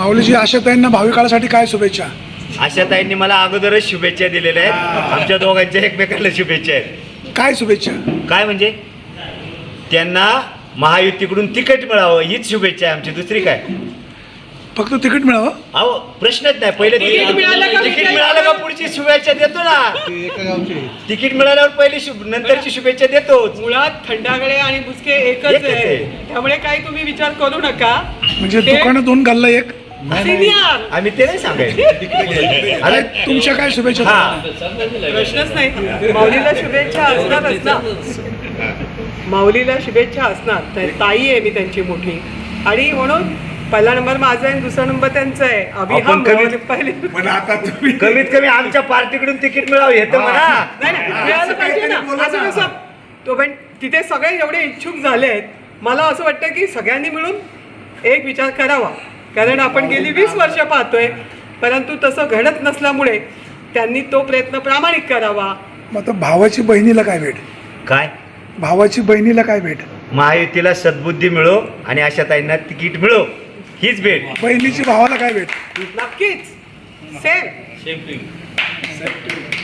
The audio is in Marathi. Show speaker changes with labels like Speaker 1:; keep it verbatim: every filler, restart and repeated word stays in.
Speaker 1: माऊलीजी, आशाताईंना भावी काळासाठी काय शुभेच्छा?
Speaker 2: आशाताईंनी मला अगोदरच शुभेच्छा दिलेल्या आहेत. आमच्या दोघांच्या एकमेकांना शुभेच्छा आहेत.
Speaker 1: काय शुभेच्छा?
Speaker 2: काय म्हणजे त्यांना महायुतीकडून तिकीट मिळावं हीच शुभेच्छा आहे आमची, दुसरी काय?
Speaker 1: फक्त तिकीट मिळावं?
Speaker 2: अहो प्रश्नच नाही. पहिले तिकीट तिकीट मिळालं का पुढची शुभेच्छा देतो ना. तिकीट मिळाल्यावर पहिली शुभ नंतरची शुभेच्छा देतो.
Speaker 3: मुळात थंडागळे आणि बुचके एकच
Speaker 2: एकच
Speaker 3: आहे,
Speaker 2: आहे.
Speaker 3: त्यामुळे काही तुम्ही विचार करू नका.
Speaker 1: म्हणजे
Speaker 3: ते-
Speaker 1: दुकानात दोन घालला एक.
Speaker 3: सिनियर
Speaker 2: आम्ही ते नाही सांगायचं.
Speaker 1: अरे तुमच्या काय शुभेच्छा?
Speaker 2: हा
Speaker 3: प्रश्नच नाही. माऊलीला शुभेच्छा असणारच ना. माऊलीला शुभेच्छा असणार. तर ताई आहे मी त्यांची मोठी, आणि म्हणून पहिला नंबर माझा आहे, दुसरा नंबर त्यांचा आहे. अभिहम
Speaker 2: आपण कमीत-
Speaker 3: पहिले
Speaker 1: पण आता तुम्ही
Speaker 2: कमीत कमी आमच्या पार्टीकडून तिकीट मिळावं हे तर म्हणा.
Speaker 3: नाही नाही, मिळालं पाहिजे ना. असं कसं तो पण तिथे सगळे एवढे इच्छुक झाले आहेत. मला असं वाटतं की सगळ्यांनी मिळून एक विचार करावा, कारण आपण गेली वीस वर्ष पाहतोय, परंतु तसं घडत नसल्यामुळे त्यांनी तो प्रयत्न प्रामाणिक करावा.
Speaker 1: मग आता भावाची बहिणीला काय भेट?
Speaker 2: काय
Speaker 1: भावाची बहिणीला काय भेट?
Speaker 2: महायुतीला सद्बुद्धी मिळो आणि आशाताईंना तिकीट मिळो हीच भेट.
Speaker 1: बहिणीची भावाला काय भेट?
Speaker 3: नक्कीच सेम.